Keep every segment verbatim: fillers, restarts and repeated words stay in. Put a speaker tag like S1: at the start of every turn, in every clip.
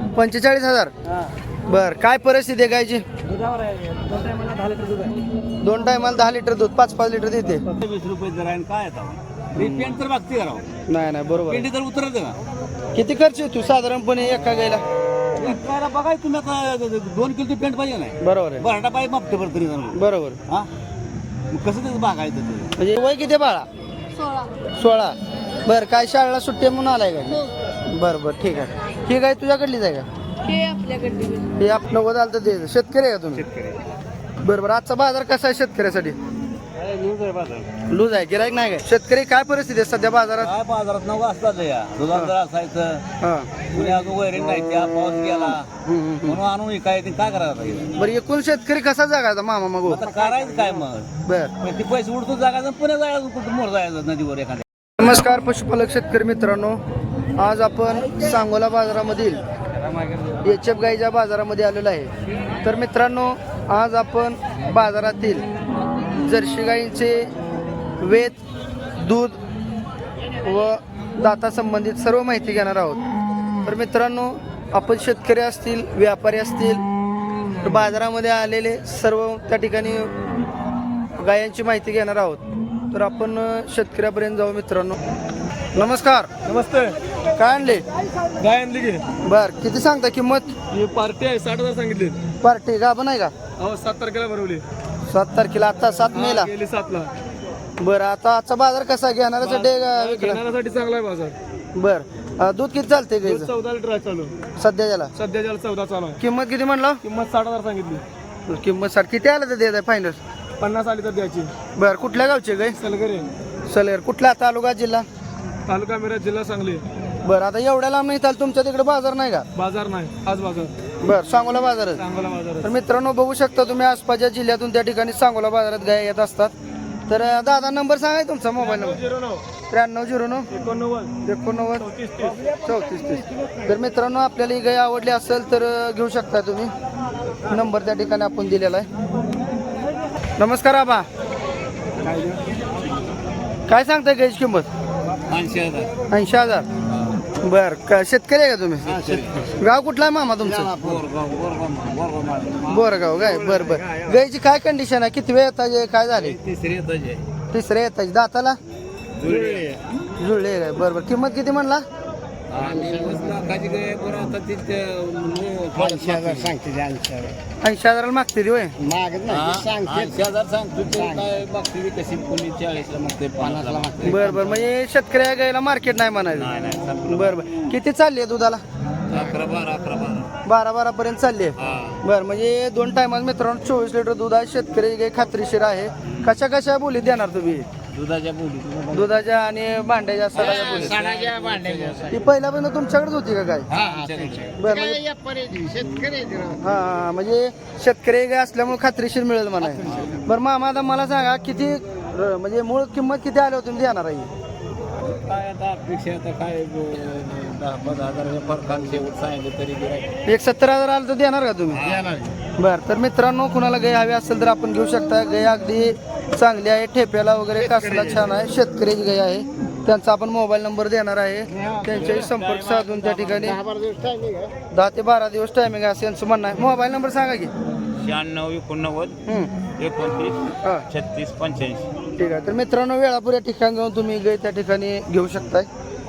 S1: पंचेचाळीस हजार बर. काय परिस्थिती आहे गायची? दोन टायमाला दहा लिटर दूध, पाच पाच लिटर देते.
S2: वीस रुपये जर आहे काय पेंट तर बघते करावं.
S1: नाही नाही बरोबर.
S2: पेंटी तर उतरत का?
S1: किती खर्च येतो साधारणपणे एका गायला?
S2: काय बघाय तुम्ही आता दोन किलो पेंट पाहिजे नाही.
S1: बरोबर आहे.
S2: बरडा पाहिजे मापटे बरं तरी जण.
S1: बरोबर.
S2: हा मग कसं त्याचं बघायचं ते?
S1: म्हणजे वय किती बाळा? सोळा. बर. काय शाळेला सुट्टी आहे म्हणून आलाय का? बरं बरं ठीक आहे. ही गाय तुझ्याकडलीच आहे का?
S3: हे आपल्याकडे
S1: हे आपण नव्वद आलं तर दे. शेतकरी आहे का तुम्ही? बरं बरं. आजचा बाजार कसा आहे शेतकऱ्यासाठी? लूज आहे. गिराईक नाही काय? शेतकरी काय परिस्थिती आहे सध्या बाजारात?
S2: काय बाजारात नऊ असतात या दुधात जर असायचं
S1: हा.
S2: कुणी अजून वैरण नाही त्या पाऊस गेला
S1: हम्म, हम्म, हम्म.
S2: म्हणून आणून काय ते काय करायचं आता?
S1: बरं एकूण शेतकरी कसा जगायचा मामा मग?
S2: आता करायचं काय मग?
S1: बर.
S2: मग ते पैसे उडतो जागायचं पुणे जायचं कुठं मोर जायचं नदीवर एखाद्या.
S1: नमस्कार पशुपालक शेतकरी मित्रांनो, आज आपण सांगोला बाजारामधील एच एफ गाईच्या बाजारामध्ये आलेलो आहे. तर मित्रांनो, आज आपण बाजारातील जर्सी गाईंचे वेत, दूध व दाता संबंधित सर्व माहिती घेणार आहोत. तर मित्रांनो, आपण शेतकरी असतील, व्यापारी असतील, तर बाजारामध्ये आलेले सर्व त्या ठिकाणी गायांची माहिती घेणार आहोत. तर आपण शेतकऱ्यापर्यंत जाऊ. मित्रांनो नमस्कार.
S4: नमस्ते.
S1: काय आणले?
S4: गाय आणली की?
S1: बर. किती सांगता किंमत?
S4: ही पार्टी आहे, साठ हजार सांगितली.
S1: पार्टी गाभण आहे का?
S4: अहो सात तारखेला भरवली.
S1: सात तारखेला, आता सात
S4: हा,
S1: मेला.
S4: गेली सातला.
S1: बरं. आता आजचा बाजार कसा घेणाऱ्यासाठी आहे का?
S4: घेणाऱ्यासाठी चांगला आहे बाजार.
S1: बर. अं, दूध किती चालते
S4: दूध
S1: गाईचं
S4: चौदा लिटर आहे चालू
S1: सध्या त्याला?
S4: सध्या ज्याला चौदा चालू आहे.
S1: किंमत किती म्हणलं?
S4: किंमत साठ हजार सांगितली.
S1: किंमत साठ. किती आलं तर देत आहे फायनल?
S4: पन्नास आली तर द्यायची.
S1: बर. कुठल्या गावचे गाय?
S4: सलगरे,
S1: सलेर. कुठला तालुका जिल्हा?
S4: तालुका मिरज, जिल्हा सांगली.
S1: बरं. आता एवढ्या लांब नाही तुमच्या तिकडे बाजार नाही का?
S4: बाजार नाही, आज बाजार
S1: बर. सांगोला बाजारच.
S4: सांगोला बाजार.
S1: तर मित्रांनो बघू शकता तुम्ही आसपासच्या जिल्ह्यातून त्या ठिकाणी सांगोला बाजारात गाय येत असतात. तर अं, दादा नंबर सांगा तुमचा मोबाईल नंबर.
S4: झिरो नऊ
S1: त्र्याण्णव झिरो नऊ
S4: एकोणनव्वद
S1: एकोणनव्वद
S4: चौतीस तीस.
S1: चौतीस तीस. तर मित्रांनो, आपल्याला ही गाय आवडली असेल तर अं, घेऊ शकता तुम्ही. नंबर त्या ठिकाणी आपण दिलेला आहे. नमस्कार आबा. काय सांगताय गायची किंमत?
S2: ऐंशी हजार.
S1: ऐंशी हजार. बर. का शेतकरी आहे का तुम्ही? गाव कुठला आहे मामा तुमचं? बोरगाव गाय. बर बर. गायची काय कंडिशन आहे? किती वेळ येताचे? काय झाले?
S2: तिसरी येताचे.
S1: तिसऱ्या येताचे. दाताला जुळले काय? बर बर. किंमत किती म्हणला?
S2: लाखाची गाय बरं आता तिथे
S5: ऐंशी हजार सांगते ते, ऐंशी हजार
S1: ऐंशी हजाराला मागते ती होय?
S5: मागत नाही ते सांगते.
S2: ऐंशी हजार सांगतो ते काय बघते कशी कोणी चाळीसला मागते पन्नासला मागते.
S1: बर बर. म्हणजे शेतकऱ्या गायला मार्केट नाही म्हणायचं.
S2: नाही नाही संपलं.
S1: बर बर. किती चालली आहे दुधाला?
S2: अकरा बारा अकरा बारा.
S1: बारा बारा पर्यंत चालली आहे.
S2: हा.
S1: बर. म्हणजे दोन टायमाला मित्रांनो चोवीस लिटर दूध आहे. शेतकरी गाय खात्रीशीर आहे. कशा कशा बोली देणार तुम्ही?
S2: दुधाच्या बोली
S1: दुधाच्या आणि भांड्याच्या सडाच्या बोली.
S5: सणाच्या भांड्याच्या
S1: ही पहिल्यापासून तुमच्याकडेच होती का गाय? बर. म्हणजे
S5: काय व्यापारी आहे, शेतकरी आहे ते राव.
S1: हा हा. म्हणजे शेतकरी गाय असल्यामुळे खात्रीशीर मिळेल म्हणा. बरं मामा, आता मला सांगा किती र- म्हणजे मूळ किंमत किती आल्यावर तुम्ही देणार आहे?
S2: काय आता अपेक्षा आता काय ब- दहा पंधरा हजाराच्या फरकान शेवट सांगितलं तरी गिऱ्हाईक.
S1: एक सत्तर हजार आलं तर देणार का तुम्ही? बरं. तर मित्रांनो, कुणाला गाय हवी असेल तर आपण घेऊ शकता. गाय अगदी चांगली आहे. ठेप्याला वगैरे कासला छान आहे. शेतकऱ्याची गाय आहे. त्यांचा आपण मोबाईल नंबर देणार आहे. त्यांच्याही संपर्क साधून त्या ठिकाणी दहा ते बारा दिवस टायमिंग आहे असं यांचं म्हणणं आहे. मोबाईल नंबर सांगा की.
S2: शहाण्णव एकोणनव्वद
S1: हम्म.
S2: एकोणतीस
S1: हा
S2: छत्तीस पंच्याऐंशी.
S1: ठीक आहे. तर मित्रांनो, वेळापूर या ठिकाणी जाऊन तुम्ही गाय त्या ठिकाणी घेऊ शकताय.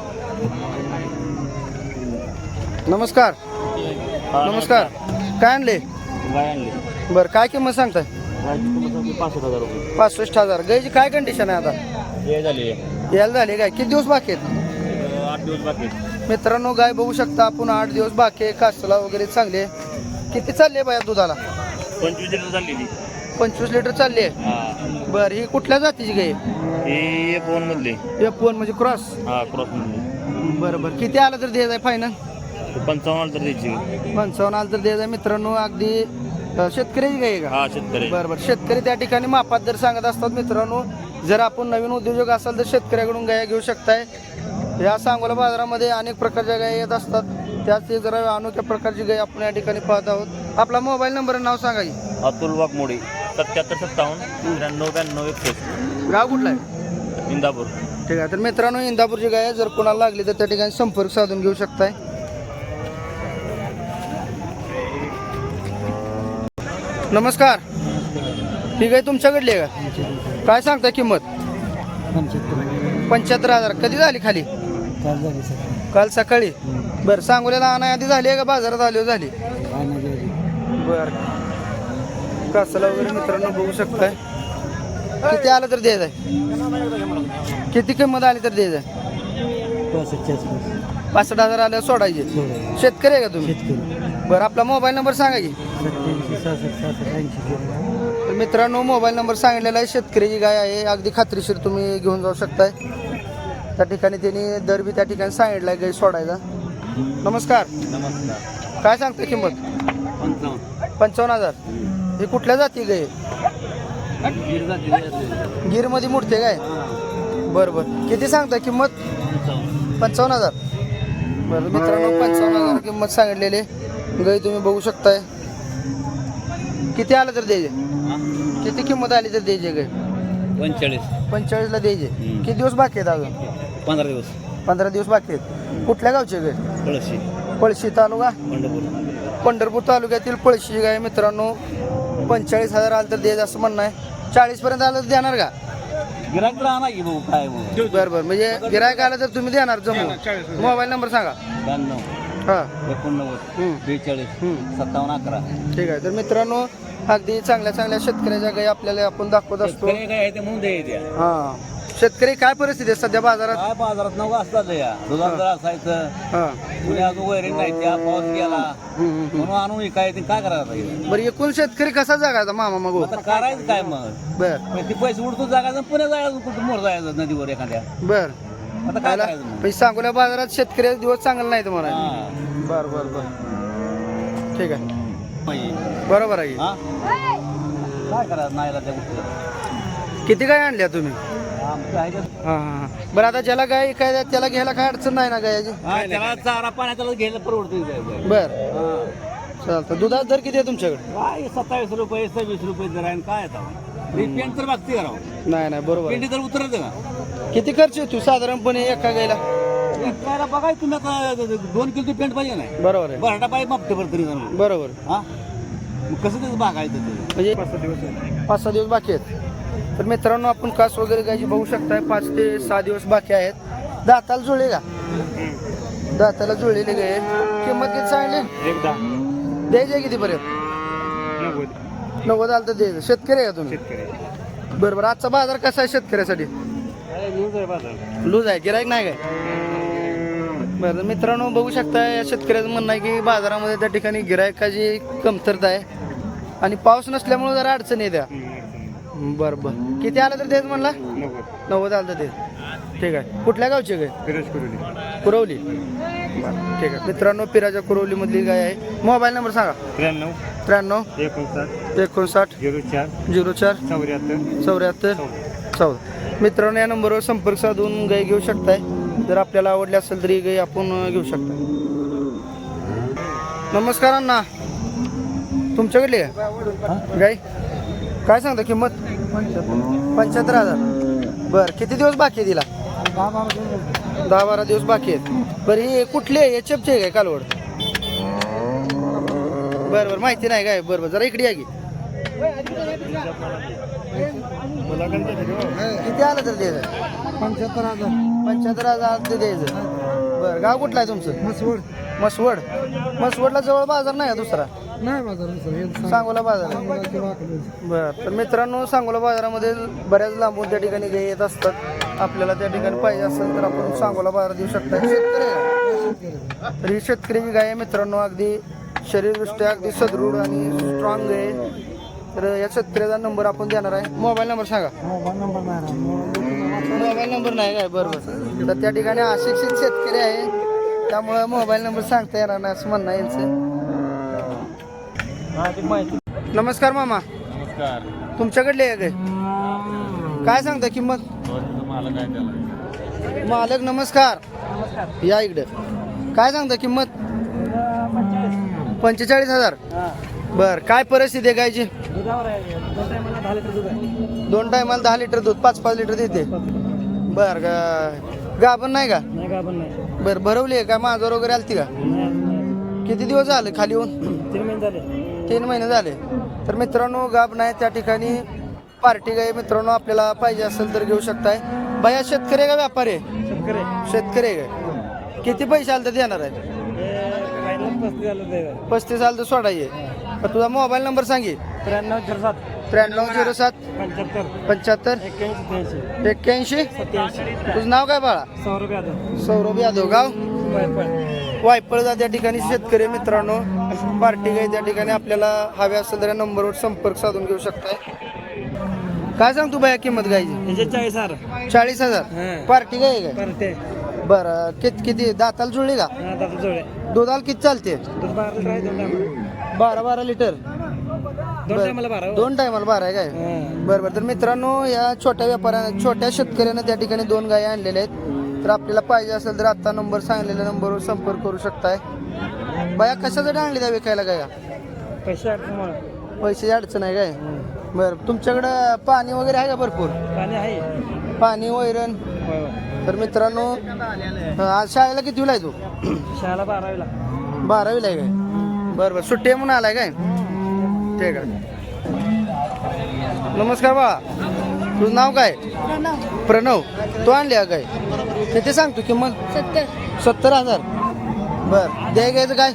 S1: नमस्कार. नमस्कार. काय आणले?
S2: गाय आणली
S1: बरं. काय किंमत सांगताय?
S2: पासष्ट हजार रुपये.
S1: पासष्ट हजार. गायची काय कंडिशन आहे आता?
S2: हे झाली
S1: यायला झाली काय? किती दिवस बाकी आहेत?
S2: आठ दिवस बाकी.
S1: मित्रांनो, गाय बघू शकता आपण. आठ दिवस बाकी आहे. कासला वगैरे चांगले. किती चालली आहे बाया दुधाला?
S2: पंचवीस लिटर झालेली.
S1: पंचवीस लिटर चालली आहे.
S2: हा.
S1: बरं. ही कुठल्या जातीची गाय?
S2: हे फोन मधले.
S1: एफ वन म्हणजे क्रॉस.
S2: हा क्रॉस मधले.
S1: बरं बरं. किती आलं तर द्यायचं आहे फायनल?
S2: पंचावन्न तर द्यायची.
S1: पंचावन्न आलं तर द्यायचं आहे. मित्रांनो, अगदी अं, शेतकऱ्याची गाय आहे का?
S2: हा शेतकरी.
S1: बरं बरं. शेतकरी त्या ठिकाणी मापात दर सांगत असतात. मित्रांनो, जर आपण नवीन उद्योजक असाल तर शेतकऱ्याकडून गाय घेऊ शकताय. या सांगोला बाजारामध्ये अनेक प्रकारच्या गाय येत असतात. त्याच जरा अनोख्या प्रकारची गाय आपण या ठिकाणी पाहत आहोत. आपला मोबाईल नंबर नाव सांगा की.
S2: अतुल वाघमोडी सत्याहत्तर सत्तावन्न त्र्याण्णव ब्याण्णव एकसष्ट.
S1: गाव कुठला आहे?
S2: इंदापूर.
S1: ठीक आहे. तर मित्रांनो, इंदापूरची गाय आहे. जर कोणाला लागली तर त्या ठिकाणी संपर्क साधून घेऊ शकताय. नमस्कार. ही गाय तुमच्याकडली आहे का? काय सांगता किंमत? पंच्याहत्तर हजार. कधी झाली खाली? काल सकाळी. बरं, सांगोल्याला आणा आधी झाली आहे का बाजारात आली झाली? बरं, कासाला वगैरे मित्रांनो बघू शकताय. किती आलं तर द्यायचं आहे? किती किंमत आली तर द्यायचं आहे? पासष्ट हजार आलं सोडायचे. शेतकरी आहे का तुम्ही? बरं, आपला मोबाईल नंबर सांगा की. तर मित्रांनो, मोबाईल नंबर सांगितलेला आहे. शेतकऱ्याची गाय आहे, अगदी खात्रीशीर तुम्ही घेऊन जाऊ शकताय. त्या ठिकाणी त्यांनी दर बी त्या ठिकाणी सांगितला आहे गाय सोडायचा. नमस्कार.
S2: नमस्कार.
S1: काय सांगता किंमत?
S2: पंचावन्न.
S1: पंचावन्न हजार. हे कुठल्या जाती गाय?
S2: गीर जाती.
S1: गिरमध्ये मोडते काय? बरं बरं. किती सांगता किंमत? पंचावन्न हजार. बरं मित्रांनो, पंचावन्न हजार किंमत सांगितलेली. गाय तुम्ही बघू शकताय. किती आलं तर द्यायचे? किती किंमत आली तर द्यायचे गाय?
S2: पंचेचाळीस.
S1: पंचेचाळीसला द्यायचे. किती दिवस बाकी आहेत अजून?
S2: पंधरा दिवस.
S1: पंधरा दिवस बाकी आहेत. कुठल्या गावचे गाय?
S2: कळशी.
S1: पळशी तालुका
S2: पंढरपूर.
S1: पंढरपूर तालुक्यातील पळशी गाय मित्रांनो. पंचेचाळीस हजार आलं तर द्यायचं असं म्हणणं आहे. चाळीस पर्यंत आलं तर देणार का?
S2: गिराक राहणार की भाऊ काय मग?
S1: बरं बरं, म्हणजे गिरायक आलं तर तुम्ही देणार जमू. मोबाईल नंबर सांगा.
S2: ब्याण्णव
S1: हां.
S2: एकोणनव्वद
S1: हम्म.
S2: बेचाळीस
S1: हम्म.
S2: सत्तावन्न अकरा.
S1: ठीक आहे. तर मित्रांनो, अगदी चांगल्या चांगल्या शेतकऱ्याच्या गाई आपल्याला आपण दाखवत असतो.
S2: शेतकरी काय आहे ते म्हणून द्यायच्या.
S1: हा, शेतकरी काय परिस्थिती आहे सध्या बाजारात?
S2: काय बाजारात नऊ असतात या दुधात जर असायचं
S1: हा.
S2: कुणी अजून वैरण नाही त्या पाऊस गेला
S1: हम्म, हम्म, हम्म.
S2: म्हणून आणून काय ते काय करायचं आता?
S1: बरं, एकूण शेतकरी कसा जगायचा मामा मग?
S2: आता करायचं काय मग?
S1: बर
S2: मग ते पैसे उडतो जागायचं पुणे जायचं कुठं मोर जायचं नदीवर एखाद्या.
S1: बर.
S2: आता काय करायचं मग?
S1: पैसे सांगोल्या बाजारात शेतकऱ्याचा दिवस चांगला नाही तुम्हाला?
S2: हा.
S1: बर बर बर, ठीक आहे.
S2: पाहिजे.
S1: बरोबर आहे.
S2: हा? काय करायचं नाही त्या गोष्टी.
S1: किती गाय आणल्या तुम्ही?
S2: आमचं आहे का?
S1: हा हा हा. बरं, आता ज्याला गाय काय त्याला घ्यायला काय अडचण नाही ना गायाची?
S2: हा, त्याला चारा पाण्यात त्याला घ्यायला परवडतं.
S1: बर, चालतं. दुधाचा दर किती आहे तुमच्याकडे?
S2: काय सत्तावीस रुपये सव्वीस रुपये जर आहे आणि काय आता पेंट तर बघते करावं.
S1: नाही नाही, बरोबर आहे.
S2: पेंटी तर उतरत का?
S1: किती खर्च येतो साधारणपणे एका गायला?
S2: काय बघाय तुम्ही आता दोन किलो पेंट पाहिजे नाही
S1: बरोबर आहे.
S2: बरडा पाहिजे मापटे बरं तरी जरा.
S1: बरोबर.
S2: हा मग कसं त्याचं बघायचं ते?
S1: म्हणजे पाच सहा दिवस बाकी आहेत. तर मित्रांनो, आपण कास वगैरे गायची बघू शकताय. पाच ते सहा दिवस बाकी आहेत. दाताला जुळले का? दाताला जुळलेले गाय. किंमत किती सांगली?
S4: एकदा
S1: द्यायचे किती पर्यंत?
S4: नव्वद.
S1: नव्वद आलं तर द्यायचं. शेतकरी आहे का तुम्ही?
S4: शेतकरी
S1: बरं बरं. आजचा बाजार कसा आहे शेतकऱ्यासाठी? लूज आहे, गिरायक नाही काय? बरं मित्रांनो, बघू शकताय या शेतकऱ्याचं म्हणणं आहे की बाजारामध्ये त्या ठिकाणी गिरायकाची कमतरता आहे आणि पाऊस नसल्यामुळे जरा अडचण येत्या. बरं बरं. किती आलं तर द्यायचं म्हणला?
S4: नव्वद.
S1: नव्वद आलं तर दे. ठीक आहे. कुठल्या गावची गाय?
S4: फिरोज कुरुली.
S1: कुरवली. बरं, ठीक आहे. मित्रांनो, पिराच्या कुरवलीमधली गाय आहे. मोबाईल नंबर सांगा.
S4: त्र्याण्णव
S1: त्र्याण्णव
S4: एकोणसाठ
S1: एकोणसाठ
S4: झिरो चार
S1: झिरो चार
S4: चौऱ्याहत्तर
S1: चौऱ्याहत्तर चौदा. मित्रांनो, या नंबरवर संपर्क साधून गाय घेऊ शकताय. जर आपल्याला आवडली असेल तरी गाय आपण घेऊ शकता. नमस्कार अण्णा, तुमच्याकडली आहे गाय? काय सांगता किंमत? पंच्याहत्तर हजार. बरं, किती दिवस बाकी आहे तिला? दहा बारा दिवस बाकी आहेत. बरं, ही कुठली आहे? एच एफची आहे काय कालवड? बरं बरं, माहिती नाही काय? बरं बरं, जरा इकडे या की. किती आलं तर द्यायचं?
S5: पंच्याहत्तर हजार.
S1: पंच्याहत्तर हजार ते द्यायचं. बरं, गाव कुठलं आहे तुमचं?
S5: मसवड.
S1: मसवड. मसवडला जवळ बाजार नाही का दुसरा?
S5: नाही बाजार
S1: सांगोला बाजार आहे. बरं, तर मित्रांनो, सांगोला बाजारामध्ये बऱ्याच लांबून त्या ठिकाणी गाय येत असतात. आपल्याला त्या ठिकाणी पाहिजे असेल तर आपण सांगोला बाजार देऊ शकता. शेतकरी आहे. तर ही शेतकऱ्याची गाय आहे मित्रांनो. अगदी शरीरदृष्ट्या अगदी सदृढ आणि स्ट्रॉंग आहे. तर या शेतकऱ्याचा नंबर आपण देणार आहे. मोबाईल नंबर सांगा. मोबाईल नंबर नाही काय? बरोबर. तर त्या ठिकाणी अशिक्षित शेतकरी आहे, त्यामुळे मोबाईल नंबर सांगता येणार नाही असं म्हणणं आहे यांचं. नमस्कार मामा.
S2: नमस्कार.
S1: तुमच्याकडले आहे काय? काय सांगता किंमत? मालक नमस्कार, या इकडे. काय सांगता किंमत? पंचेचाळीस हजार. बर, काय परिस्थिती आहे गायची? दोन टायमाला दहा लिटर दूध, पाच पाच लिटर देते. बर, गाभण नाही का? बर, भरवली आहे का? माझ्यावर वगैरे आलती का? किती दिवस झाले खाली येऊन?
S5: तीन महिने झाले.
S1: तीन महिने झाले. तर मित्रांनो गाब नाही त्या ठिकाणी पार्टी गाय मित्रांनो आपल्याला पाहिजे असेल तर घेऊ शकताय. बाया शेतकरी आहे का व्यापारी आहे?
S5: शेतकरी
S1: शेतकरी आहे काय? किती पैसे आले तर देणार आहे?
S5: पस्तीस झालं.
S1: पस्तीस आलं तर सोडाय. तुझा मोबाईल नंबर सांगे.
S5: त्र्याण्णव झिरो सात
S1: त्र्याण्णव झिरो सात
S5: पंच्याहत्तर
S1: पंच्याहत्तर
S5: एक्क्याऐंशी त्र्याऐंशी
S1: एक्क्याऐंशी.
S5: सत्याऐंशी.
S1: तुझं नाव काय बाळा?
S5: सौरभ यादव.
S1: सौरभ यादव. गाव वायपळजा त्या ठिकाणी शेतकरी मित्रांनो पार्टी गाय त्या ठिकाणी आपल्याला हव्या असेल तर या नंबरवर संपर्क साधून घेऊ शकताय. काय सांग तू बाया किंमत गायची?
S5: चाळीस हजार.
S1: चाळीस हजार.
S5: हां.
S1: पार्टी गाय आहे काय?
S5: परते
S1: बरं किती किती दाताला जुळली का?
S5: दादा जोडे
S1: दुधाला किती चालते?
S5: दूध बारा लिटर आहे. दोन टायमाला
S1: बारा बारा लिटर.
S5: दोन टायमाला बारा हो.
S1: दोन टायमाला बारा आहे काय?
S5: हां.
S1: बरं बरं. तर मित्रांनो या छोट्या व्यापाऱ्यानं छोट्या शेतकऱ्यानं त्या ठिकाणी दोन गायी आणलेल्या आहेत. तर आपल्याला पाहिजे असेल तर आता नंबर सांगलेल्या नंबरवर संपर्क करू शकताय. बाया कशासाठी आणली त्या विकायला गाया?
S5: पैसे अडचण
S1: पैशाची अडचण आहे काय? बरं. तुमच्याकडं पाणी वगैरे आहे का भरपूर?
S5: पाणी आहे.
S1: पाणी वैरण. तर मित्रांनो आज शाळेला कितीला आहे तू?
S5: शाळेला बारावीला.
S1: बारावीला आहे काय? बरं बरं. सुट्टी आहे म्हणून आलाय काय? ठीक आहे. नमस्कार बाळा. तुझं नाव काय? प्रणव. तू आणली आहे काय? किती सांगतो किंमत?
S3: सत्तर
S1: सत्तर हजार. बरं. द्याय घ्यायचं काय?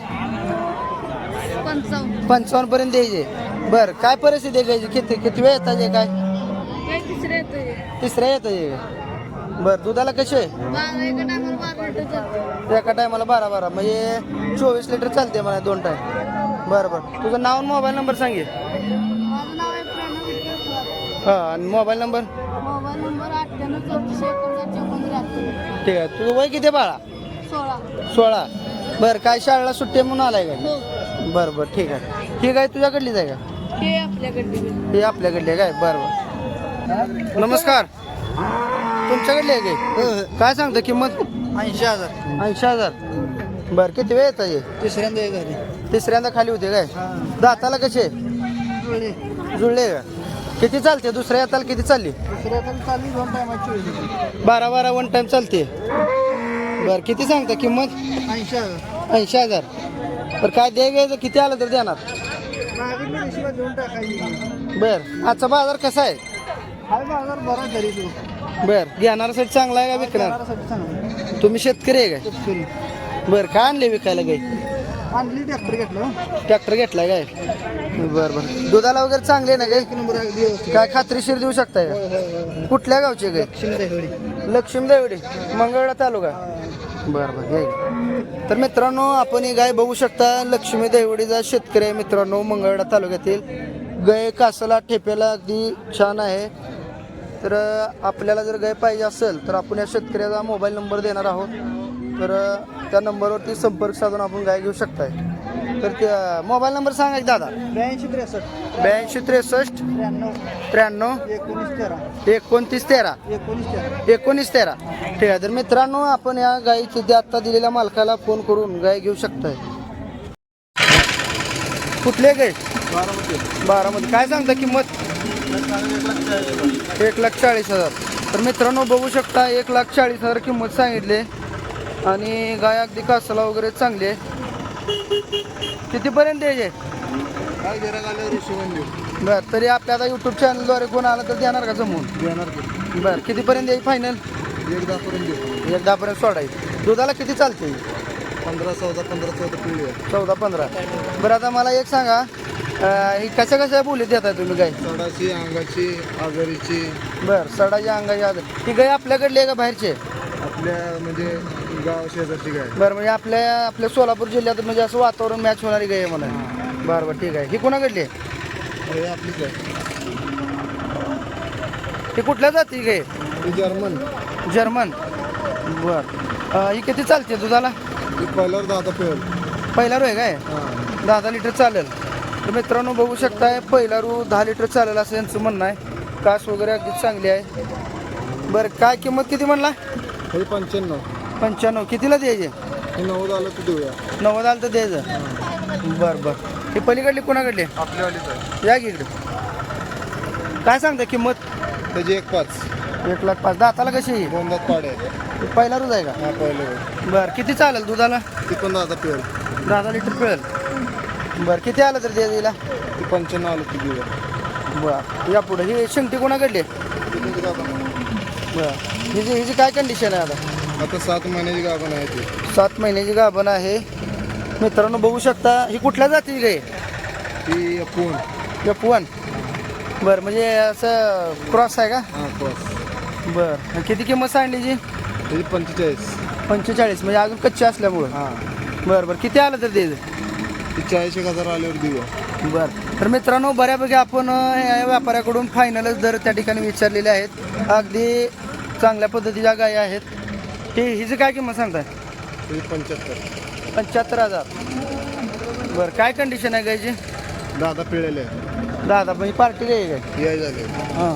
S3: पंचावन्न.
S1: पंचावन्न पर्यंत द्यायचे. बरं. काय परिस्थिती आहे घ्यायची? किती किती वेळ येतात हे काय?
S3: काय तिसरे येतोय.
S1: तिसऱ्या येतं हे. बरं. दुधाला कसे आहे?
S3: बारा एका टायमाला बारा लिटर जातं.
S1: एका टायमाला बारा बारा म्हणजे चोवीस लिटर चालते मला दोन टाईम. बरं बरं. तुझं नाव आणि मोबाईल नंबर सांगे.
S3: माझं नाव आहे प्रणव विठ्ठल खुरात.
S1: हां. आणि मोबाईल नंबर?
S3: मोबाईल नंबर अठ्ठ्याण्णव चौतीसशे एकोणसाठ चौपन्न त्र्याहत्तर.
S1: ठीक आहे. तुझं वय किती आहे बाळा?
S3: सोळा.
S1: सोळा. बरं. काय शाळेला सुट्टी आहे म्हणून आलाय काय?
S3: हो.
S1: बरं बरं. ठीक आहे. ही काय तुझ्याकडलीच आहे का?
S3: हे आपल्याकडे.
S1: ही आपल्याकडली आहे काय? बरं बरं. नमस्कार. तुमच्याकडली आहे काय? काय सांगता किंमत?
S5: ऐंशी हजार.
S1: ऐंशी हजार. बरं. किती वेळ येतं हे?
S5: तिसऱ्यांदा एक झाली.
S1: तिसऱ्यांदा खाली होते काय? दाताला कसे जुळले का? किती चालते? दुसऱ्या हाताला किती चालली?
S5: दुसऱ्या चालली दोन टायमाची.
S1: बारा बारा वन टाइम चालते. बरं. किती सांगता किंमत?
S5: ऐंशी हजार.
S1: ऐंशी हजार. बरं. काय द्या घ्यायचं किती आलं तर देणार?
S5: मागितली रेशीला देऊन टाकायची.
S1: बरं. आजचा बाजार कसा आहे?
S5: हाय बाजार बरा तरी तू.
S1: बरं. घेणाऱ्यासाठी चांगला आहे का विकणार?
S5: बारासाठी चांगलं.
S1: तुम्ही शेतकरी आहे काय?
S5: शेतकरी.
S1: बरं. काय आणले विकायला काही?
S5: आणली ट्रॅक्टर घेतलं.
S1: ट्रॅक्टर घेतलाय काय? बरं बरं. दुधाला वगैरे चांगले आहे ना काही?
S5: एक नंबर आहे व्यवस्थित.
S1: काय खात्रीशीर देऊ शकताय का? कुठल्या गावचे काय?
S5: शिंदे
S1: लक्ष्मी देवडी मंगळवेढा तालुका. बरं बरं. घ्या. तर मित्रांनो आपण ही गाय बघू शकता. लक्ष्मी देवडीचा शेतकरी आहे मित्रांनो मंगळवेढा तालुक्यातील. गाय कासाला ठेप्याला अगदी छान आहे. तर आपल्याला जर गाय पाहिजे असेल तर आपण या शेतकऱ्याचा मोबाईल नंबर देणार आहोत. तर त्या नंबरवरती संपर्क साधून आपण गाय घेऊ शकताय. तर त्या मोबाईल नंबर सांगा की दादा.
S5: ब्याऐंशी त्रेसष्ट
S1: ब्याऐंशी त्रेसष्ट
S5: त्र्याण्णव
S1: त्र्याण्णव
S5: एकोणीस तेरा
S1: एकोणतीस तेरा
S5: एकोणीस तेरा.
S1: एकोणीस तेरा. ठीक आहे. तर मित्रांनो आपण या गायीची ते आत्ता दिलेल्या मालकाला फोन करून गाय घेऊ शकताय. कुठले गाय?
S5: बारामती.
S1: बारामध्ये. काय सांगता किंमत? एक लाख चाळीस हजार. तर मित्रांनो बघू शकता एक लाख चाळीस हजार किंमत सांगितली. आणि गाय अगदी कासाला वगैरे चांगली आहे. कितीपर्यंत द्यायचे?
S5: काय गिराक आल्यावर हिशोबाने देऊ.
S1: बरं. तरी आपल्या आता यूट्यूब चॅनलद्वारे कोण आलं तर देणार का जमवून?
S5: देणार की.
S1: बरं. कितीपर्यंत द्यायची फायनल?
S5: एक दहापर्यंत देऊ.
S1: एक दहापर्यंत सोडायची. दुधाला किती चालते?
S5: पंधरा चौदा पंधरा चौदा पिढी आहे.
S1: चौदा पंधरा. बरं. आता मला एक सांगा अं, ही कशा कशा बोलीत देताय तुम्ही गाय?
S5: सडाची अंगाची आजारीची
S1: बरं. सडाची अंगाची आदर. ही गाय आपल्याकडली आहे का बाहेरची?
S5: आपल्या म्हणजे गाव शेजारची गाय.
S1: बरं. म्हणजे आपल्या आपल्या सोलापूर जिल्ह्यात म्हणजे असं वातावरण मॅच होणारी गाय आहे म्हणा. बरं बरं. ठीक आहे. ही कोणाकडली आहे?
S5: हे आपलीच आहे.
S1: ही कुठल्या जाती गाय?
S5: ही जर्मन.
S1: जर्मन. बरं. ही किती चालते दुधाला?
S5: ही पहिल्यावर दहा पेल.
S1: पहिला रू आहे काय?
S5: हां.
S1: दहा दहा लिटर चालेल. तर मित्रांनो बघू शकताय पहिला रू दहा लिटर चालेल असं यांचं म्हणणं आहे. कास वगैरे अगदी चांगली आहे. बरं. काय किंमत किती म्हणला?
S5: हे पंच्याण्णव.
S1: पंच्याण्णव. कितीला द्यायचे?
S5: हे नव्वद आलं तर देऊया.
S1: नव्वद आलं तर द्यायचं. बरं बरं. ही पलीकडली कोणाकडली?
S5: आपल्यावालीच आहे.
S1: या की इकडे. काय सांगता किंमत?
S5: त्याची एक पाच.
S1: एक लाख पाच. दाताला कशी आहे?
S5: दोन दात पाडे आहे.
S1: पहिला रोज आहे का?
S5: हा पहिलं
S1: बरं किती चालेल दुधाला?
S5: ती पण दादा पिळेल.
S1: दहा लिटर पिळेल. बरं किती आलं तर दे दिला?
S5: ती पंच्याण्णव आलं ती देऊया.
S1: बरं या पुढे ही शेंगटी कोणाकडली आहे?
S5: ती तुझी गाभण आहे.
S1: बरं हिची हिची काय कंडिशन आहे आता?
S5: आता सात महिन्याची गाभण आहे ती.
S1: सात महिन्याची गाभण आहे मित्रांनो, बघू शकता. ही कुठल्या जातीची गाय?
S5: ती फोन.
S1: F one. बरं म्हणजे असं क्रॉस आहे का?
S5: हां क्रॉस.
S1: बरं किती किंमत सांगलीची?
S5: त्याची पंचेचाळीस.
S1: पंचेचाळीस म्हणजे अजून कच्चे असल्यामुळं.
S5: हां
S1: बरं बरं किती आलं तर दे.
S5: ती चाळीस एक हजार आल्यावर देऊया.
S1: बरं तर मित्रांनो, बऱ्यापैकी आपण अं, या व्यापाऱ्याकडून फायनलच दर त्या ठिकाणी विचारलेले आहेत. अगदी चांगल्या पद्धतीच्या गायी आहेत. ही हिची काय किंमत सांगताय?
S5: त्याची पंच्याहत्तर.
S1: पंच्याहत्तर हजार. बरं काय कंडिशन आहे गायची?
S5: दादा पिळलेले आहे.
S1: दादा म्हणजे पार्टी गाय काय?
S5: याय झाले.
S1: हां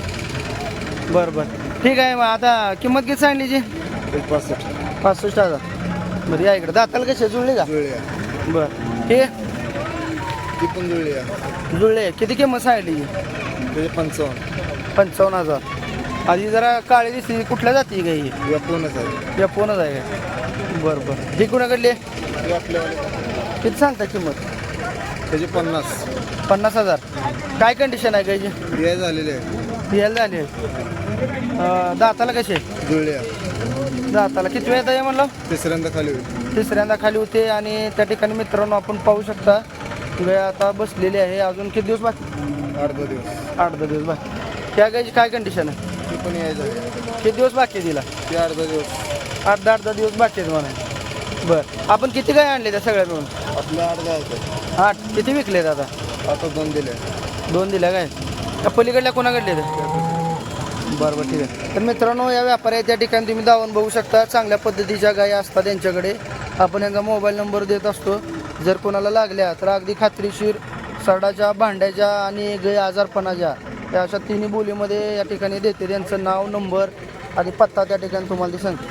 S1: बरं बरं ठीक आहे. मग आता किंमत किती सांगलीची?
S5: एक पासष्ट.
S1: पासष्ट हजार. बरं या इकडे दाताला कशी जुळली का?
S5: जुळले आहे.
S1: बरं हे
S5: ती पण जुळली आहे.
S1: जुळले. किती किंमत सांगली?
S5: त्याचे पंचावन्न.
S1: पंचावन्न हजार. आधी जरा काळी दिसते. कुठल्या जाती गाई?
S5: या फोनच आहे.
S1: या फोनच आहे काय? बरं बरं ही कुणाकडली आहे?
S5: ती आपल्यावाले.
S1: किती सांगता किंमत?
S5: त्याचे पन्नास.
S1: पन्नास हजार. काय कंडिशन आहे गायची?
S5: याय झालेले आहे.
S1: यायला झाली आहे. अं, दाताला कसे?
S5: जुळले आहे.
S1: दाताला किती वेळ आहे म्हणलं?
S5: तिसऱ्यांदा खाली होईल.
S1: तिसऱ्यांदा खाली होते. आणि त्या ठिकाणी मित्रांनो आपण पाहू शकता गाय आता बसलेली आहे. अजून किती दिवस बाकी?
S5: आठ दहा दिवस.
S1: आठ दहा दिवस बाकी. त्या गायची काय कंडिशन आहे?
S5: ती पण याय झाली.
S1: किती दिवस बाकी आहे तिला?
S5: ती आठ दहा दिवस.
S1: आठ दहा आठ दहा दिवस बाकी आहेत म्हणा. बरं आपण किती गाय आणले त्या सगळ्या मिळून?
S5: आपल्या आठ दहा आहेत.
S1: आठ. किती विकले आता?
S5: आता दोन दिले.
S1: दोन दिल्या काय? त्या पलीकडल्या कोणाकडले? बरं बरं ठीक आहे. तर मित्रांनो, या व्यापारी त्या ठिकाणी तुम्ही जाऊन बघू शकता. चांगल्या पद्धतीच्या गायी असतात त्यांच्याकडे. आपण यांचा मोबाईल नंबर देत असतो. जर कोणाला लागल्या तर अगदी खात्रीशीर सडाच्या, भांड्याच्या आणि गाय आजारपणाच्या या अशा तिन्ही बोलीमध्ये या ठिकाणी देते. त्यांचं नाव, नंबर आणि पत्ता त्या ठिकाणी तुम्हाला ते सांगते.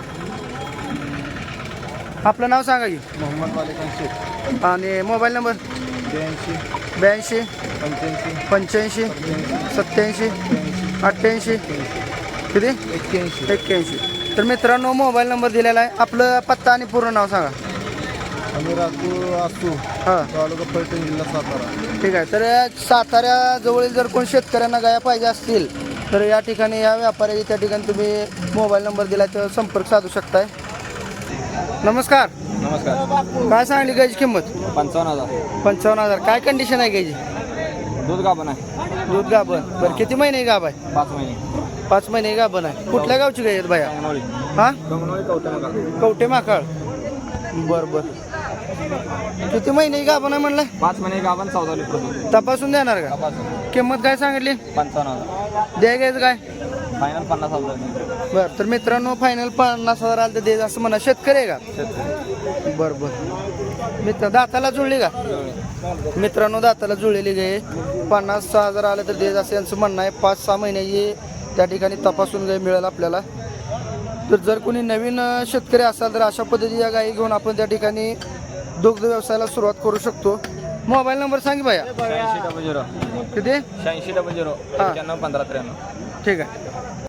S1: आपलं नाव सांगा की.
S5: मोहम्मद मालिकान शेख.
S1: आणि मोबाईल नंबर?
S5: ब्याऐंशी
S1: ब्याऐंशी
S5: पंच्याऐंशी
S1: पंच्याऐंशी सत्याऐंशी अठ्ठ्याऐंशी किती
S5: एक्क्याऐंशी.
S1: एक्क्याऐंशी. तर मित्रांनो, मोबाईल नंबर दिलेला आहे. आपलं पत्ता आणि पूर्ण नाव सांगा.
S5: आम्ही राहतो आसू,
S1: हां
S5: तालुका फलटण, जिल्हा सातारा.
S1: ठीक आहे. तर साताऱ्याजवळील जर कोण शेतकऱ्यांना गाया पाहिजे असतील तर या ठिकाणी या व्यापाऱ्याची त्या ठिकाणी तुम्ही मोबाईल नंबर दिला तर संपर्क साधू शकताय. नमस्कार.
S2: नमस्कार.
S1: काय सांगली गायची किंमत?
S2: पंचावन्न हजार.
S1: पंचावन्न हजार. काय कंडिशन आहे गायची?
S2: दूध गाभण आहे.
S1: दूध गाभण. बरं किती महिने गाभ आहे?
S2: पाच महिने.
S1: पाच महिने गाभण आहे. कुठल्या गावची गाय आहेत बाया?
S2: कंगनोळी.
S1: हां
S2: कंगनोळी कवटे मगा.
S1: कवटे माकाळ. बरं बरं किती महिने गाभण आहे म्हणलं?
S2: पाच महिने गाभण चौदा लिटर दूध.
S1: तपासून देणार का?
S2: तपासून.
S1: किंमत काय सांगितली?
S2: पंचावन्न हजार.
S1: द्या घ्यायचं काय?
S2: फायनल पन्नास हजार.
S1: बरं तर मित्रांनो, फायनल पन्नास हजार आलं तर दे असं म्हणा. शेतकरी आहे का?
S2: शेतकरी.
S1: बरं बरं. मित्र दाताला जुळली का? मित्रांनो, दाताला जुळलेली गाय. पन्नास सहा हजार आलं तर दे असं यांचं म्हणणं आहे. पाच सहा महिन्याची त्या ठिकाणी तपासून गाय मिळेल आपल्याला. तर जर कोणी नवीन अं, शेतकरी असाल तर अशा पद्धतीच्या गायी घेऊन आपण त्या ठिकाणी दुग्ध व्यवसायाला सुरुवात करू शकतो. मोबाईल नंबर सांग बाया.
S2: शहाऐंशी डबल झिरो
S1: किती?
S2: शहाऐंशी डबल झिरो एक्क्याण्णव पंधरा त्र्याण्णव.
S1: ठीक आहे.